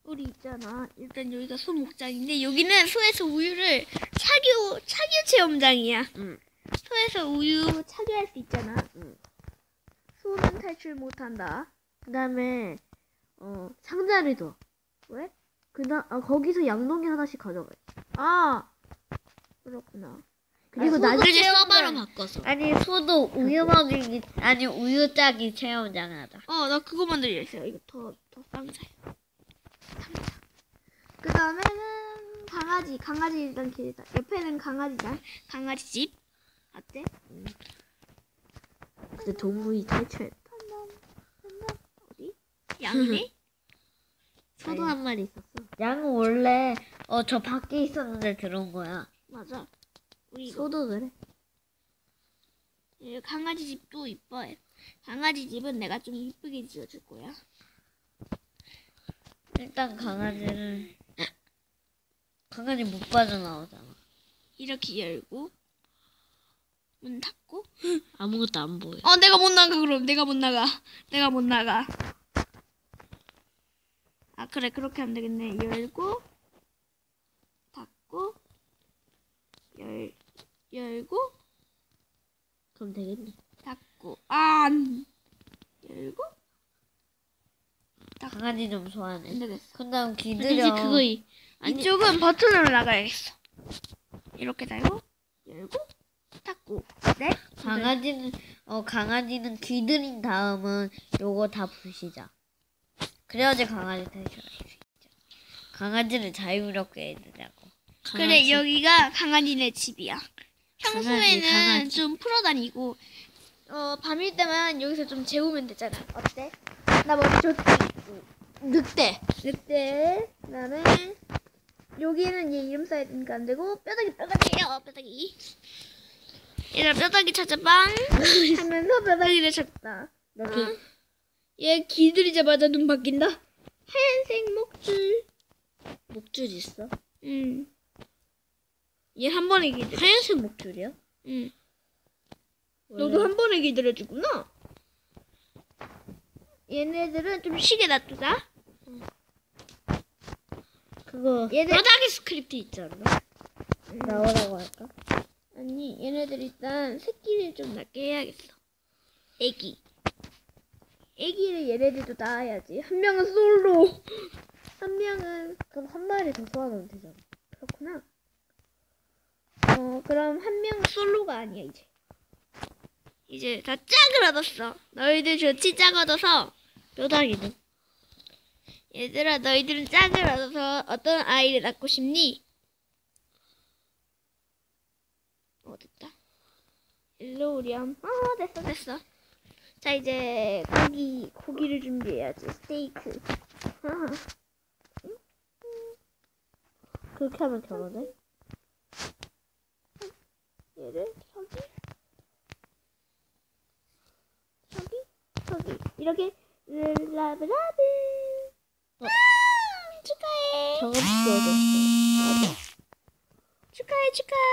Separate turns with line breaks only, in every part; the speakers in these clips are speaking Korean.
우리 있잖아. 일단 여기가 소 목장인데 여기는 소에서 우유를 착유 체험장이야.
응.
소에서 우유 착유할 수 있잖아.
응.
소는 탈출 못한다.
그다음에 상자를 줘.
왜?
거기서 양동이 하나씩 가져가.
아 그렇구나.
그리고
소도
나중에
체험장.
서버로 바꿨어. 아니 소도 우유 먹이기 아니 우유 짜기 체험장 하자.
나 그거 만들려 있어요. 이거 더 상자야. 상자. 그 다음에는 강아지 일단 길다. 옆에는 강아지장. 강아지 집. 어때?
근데 동물이 탈출했다.
어디? 양이네?
소도 한 마리 있었어. 양은 원래 저 밖에 있었는데 들어온 거야.
맞아. 우리
소도 그래.
강아지 집도 이뻐해. 강아지 집은 내가 좀 이쁘게 지어줄 거야.
일단 강아지 못 빠져나오잖아.
이렇게 열고 문 닫고.
아무것도 안 보여.
내가 못 나가. 그럼 내가 못 나가. 아 그래 그렇게 하면 되겠네. 열고 닫고 열고
그럼 되겠네.
닫고 열고
강아지 좀 소환해.
안 되겠어.
그 다음
이제
기들여.
그거 이쪽은 버튼으로 나가야겠어. 이렇게 달고 열고 닫고. 네?
강아지는 기들인 다음은 요거 다 부시자. 그래야지 강아지 탈출할 수 있죠. 강아지를 자유롭게 해주자고.
그래 여기가 강아지네 집이야. 평소에는
강아지.
좀 풀어다니고 밤일 때만 여기서 좀 재우면 되잖아. 어때? 나 머리 좋지? 늑대. 나는 여기는 얘 이름 써야 되니까 안 되고 뼈다귀. 얘들아 뼈다귀 찾아빵 하면서 뼈다귀를 찾다. 얘 기들이자마자 눈 바뀐다. 하얀색 목줄
있어?
응. 얘 한 번에 기들.
하얀색 목줄이야?
응. 너도 한 번에 기다려주구나. 얘네들은 좀 쉬게 놔두자.
그거
뼈다귀 스크립트 있지 않나?
나오라고 할까?
아니 얘네들 일단 새끼를 좀 낳게 해야겠어. 애기를 얘네들도 낳아야지. 한 명은 솔로. 한 명은
그럼 한 마리 더 소환하면 되잖아.
그렇구나. 그럼 한 명은 솔로가 아니야 이제 다 짝을 얻었어. 너희들 좋지? 짝 얻어서.
뼈다귀는?
얘들아 너희들은 짝을 얻어서 어떤 아이를 낳고 싶니? 됐다. 일로 오렴. 됐어. 자 이제 고기를 준비해야지. 스테이크.
그렇게 하면 결혼해?
얘를 저기 이렇게 라브라브. 축하해.
경험치 얻었어.
맞아. 축하해.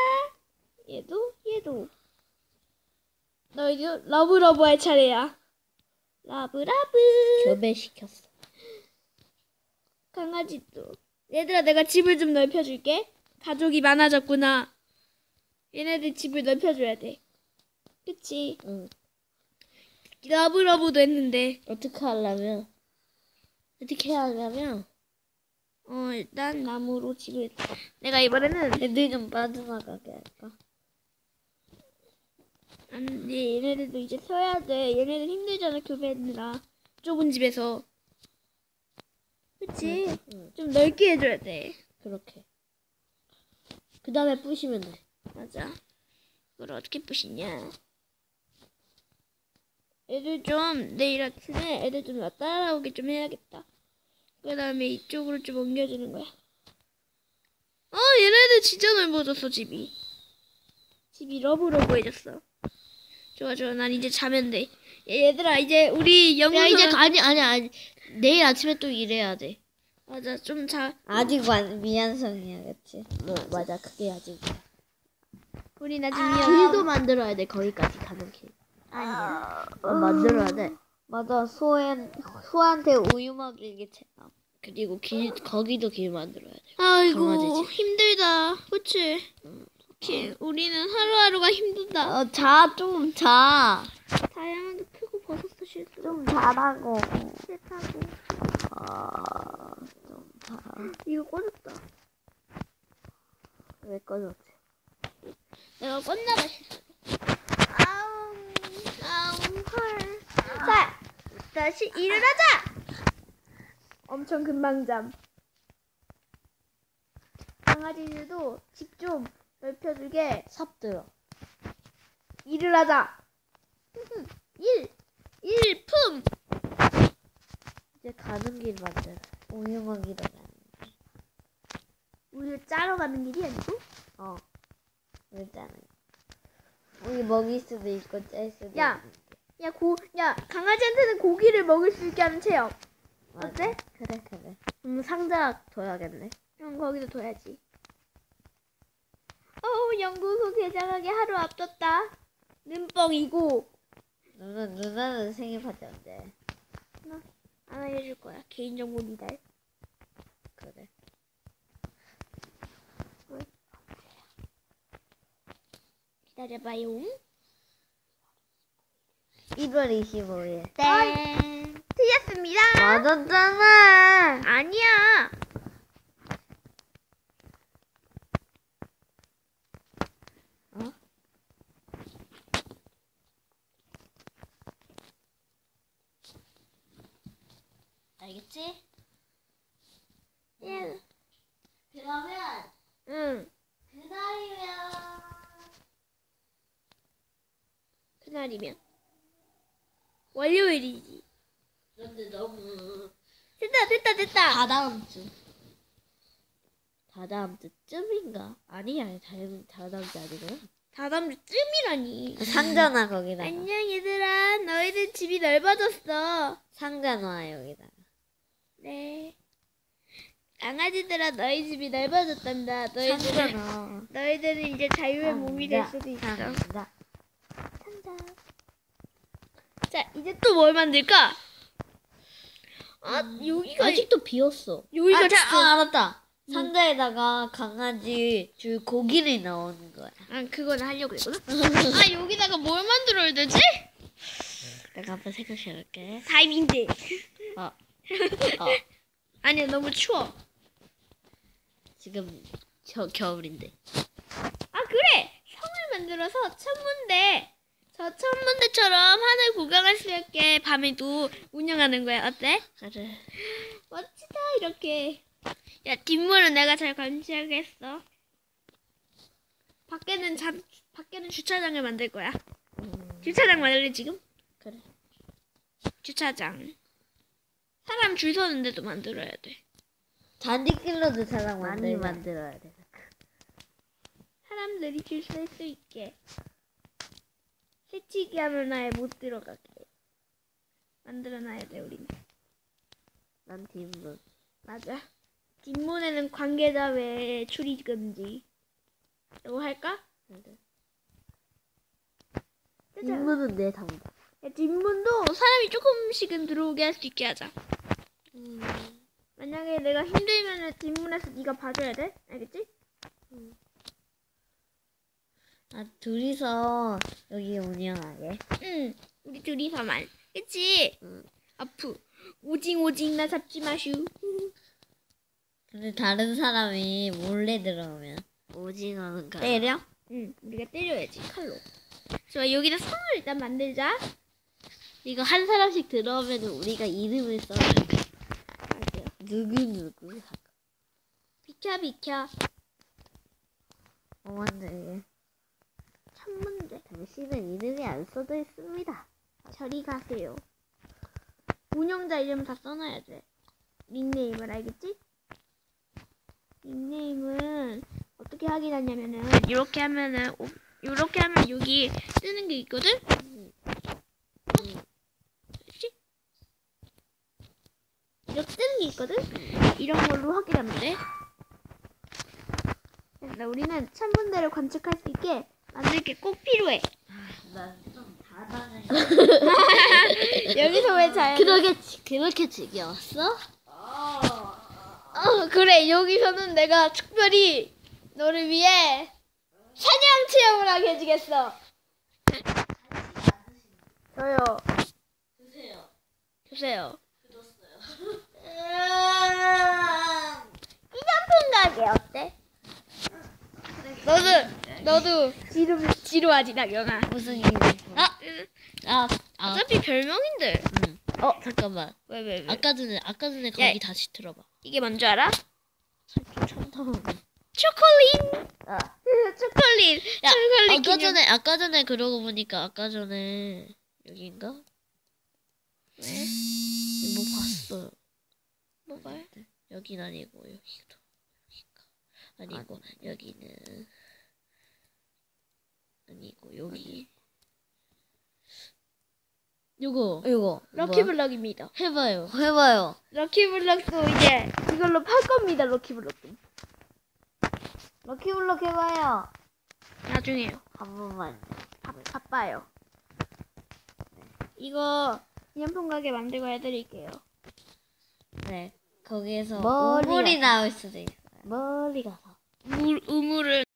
얘도. 너희도 러브러브 할 차례야. 러브러브.
교배시켰어.
강아지도. 얘들아 내가 집을 좀 넓혀줄게. 가족이 많아졌구나. 얘네들 집을 넓혀줘야 돼. 그치?
응.
러브러브도 했는데.
어떻게 하려면?
일단 나무로 집을. 내가 이번에는
애들 좀 빠져나가게 할까?
아니 얘네들도 이제 서야 돼. 얘네들 힘들잖아 교배하느라. 좁은 집에서. 그치?
응.
좀 넓게 해줘야 돼.
그렇게. 그 다음에 부시면 돼.
맞아. 그걸 어떻게 부시냐. 애들 좀 내일 아침에 애들 좀 따라오게 좀 해야겠다. 그 다음에 이쪽으로 좀 옮겨주는 거야. 얘네들 진짜 넓어졌어 집이. 집이 러브러브해졌어. 좋아 난 이제 자면 돼. 얘들아 이제 우리
야
영상
이제 아니 내일 아침에 또 일해야 돼.
맞아 좀 자.
아직 미완성이야, 그치? 맞아, 그게 아직이야.
우리 나중에
길도 만들어야 돼, 거기까지 가는 길.
아니야.
만들어야 돼. 맞아, 소한테 우유 먹이기 체험. 그리고 거기도 길 만들어야 돼.
아이고
강아지지.
힘들다. 그치? 오케이. 우리는 하루하루가 힘들다.
좀 자.
다이아몬드 크고 버섯도 싫고.
좀 자라고.
싫다고.
좀 자.
이거 꺼졌다.
왜 꺼졌지?
내가 껐나봐. 아우 헐. 자 다시 일을 하자. 엄청 금방 잠. 강아지들도 집 좀 넓혀주게
삽들어.
일을 하자. 일품.
이제 가는 길 만들어. 우유 먹이러 가는 길.
우유 짜러 가는 길이 아니고?
우유 짜는 길. 우유 먹일 수도 있고 짤 수도
야.
있고.
야 강아지한테는 고기를 먹을 수 있게 하는 체험. 어때?
그래. 상자 둬야겠네.
응, 거기도 둬야지. 연구소 개장하기 하루 앞뒀다. 눈뻥이고.
누나는 생일 파티 언제?
안 알려줄 거야. 개인정보 미달.
그래.
기다려봐요.
1월 25일.
땡. 틀렸습니다.
맞았잖아.
아니야.
알겠지?
예.
그러면
응. 그날이면 월요일이지.
그런데 너무
됐다.
다다음 주쯤인가? 아니야, 다다음 주 아니구나.
다다음 주쯤이라니.
상자 거기다가.
안녕 얘들아. 너희들 집이 넓어졌어.
상자 놔 여기다가.
네. 강아지들아 너희 집이 넓어졌단다.
상자 놔.
너희들은 이제 자유의 몸이 될 수도 있어.
상자.
상자. 자 이제 또 뭘 만들까? 여기가
아직도 비었어.
여기가
알았다. 상자에다가 강아지 줄 고기를 넣는 거야.
그건 하려고 그랬거든. 여기다가 뭘 만들어야 되지?
내가 한번 생각해볼게.
다이빙대. 아니야 너무 추워.
지금 겨울인데.
그래. 성을 만들어서 천문대. 저 천문대처럼 하늘 구경할 수 있게 밤에도 운영하는 거야. 어때?
그래.
멋지다 이렇게. 야 뒷문은 내가 잘 감시하겠어. 밖에는 주차장을 만들 거야. 주차장 만들래 지금?
그래.
주차장. 사람 줄 서는 데도 만들어야 돼.
잔디길로도 자랑 많이 만들어야 돼.
사람들이 줄 설 수 있게. 새치기 하면 아예 못 들어가게 만들어놔야 돼 우리는.
난 뒷문.
맞아. 뒷문에는 관계자 외에 출입 금지. 이거 할까?
그래. 뒷문은 내 담당.
야, 뒷문도 사람이 조금씩은 들어오게 할 수 있게 하자. 만약에 내가 힘들면은 뒷문에서 네가 봐줘야 돼. 알겠지?
둘이서 여기 운영하게.
응. 우리 둘이서만. 그치?
응.
아프. 오징 나 잡지 마슈.
근데 다른 사람이 몰래 들어오면 오징어는 때려?
응. 우리가 때려야지 칼로. 좋아. 여기다 성을 일단 만들자.
이거 한 사람씩 들어오면 우리가 이름을 써줄게.
맞아요.
누구
비켜.
만들게.
천문대.
당신은 이름이 안 써져 있습니다.
저리 가세요. 운영자 이름 다 써놔야 돼. 닉네임을 알겠지? 닉네임은 어떻게 확인하냐면은 이렇게 하면 여기 뜨는 게 있거든? 그렇지? 이렇게 뜨는 게 있거든? 이런 걸로 확인하면 돼. 그래서 우리는 천문대를 관측할 수 있게 만들 게 꼭 필요해.
난좀 다당해.
여기서 왜 자연?
그렇게 지겨웠어?
그래, 여기서는 내가 특별히 너를 위해 사냥 체험을 하게 해주겠어. 저요. 주세요. 기념품 가게 어때? 너도 지루하지, 나경아.
무슨 기념품?
아, 어차피 별명인데.
잠깐만.
왜?
아까 전에 거기
야,
다시 들어봐.
이게 뭔지 알아?
천타만.
초콜릿. 초콜릿.
야,
초콜릿
아까 전에 그러고 보니까 아까 전에 여긴가?
왜?
뭐 봤어요.
뭐가요?
여긴 아니고 여기가 아니고 여기는 아니고 여기. 요거
럭키블럭입니다.
해봐요.
럭키블럭도 이제 이걸로 팔 겁니다. 럭키블럭도.
럭키블럭 해봐요.
나중에요.
한 번만.
바빠요. 이거 기념품 가게 만들고 해드릴게요.
네, 거기에서
머리가-
우물이 나올 수도 있어요.
멀리 가서. 우물은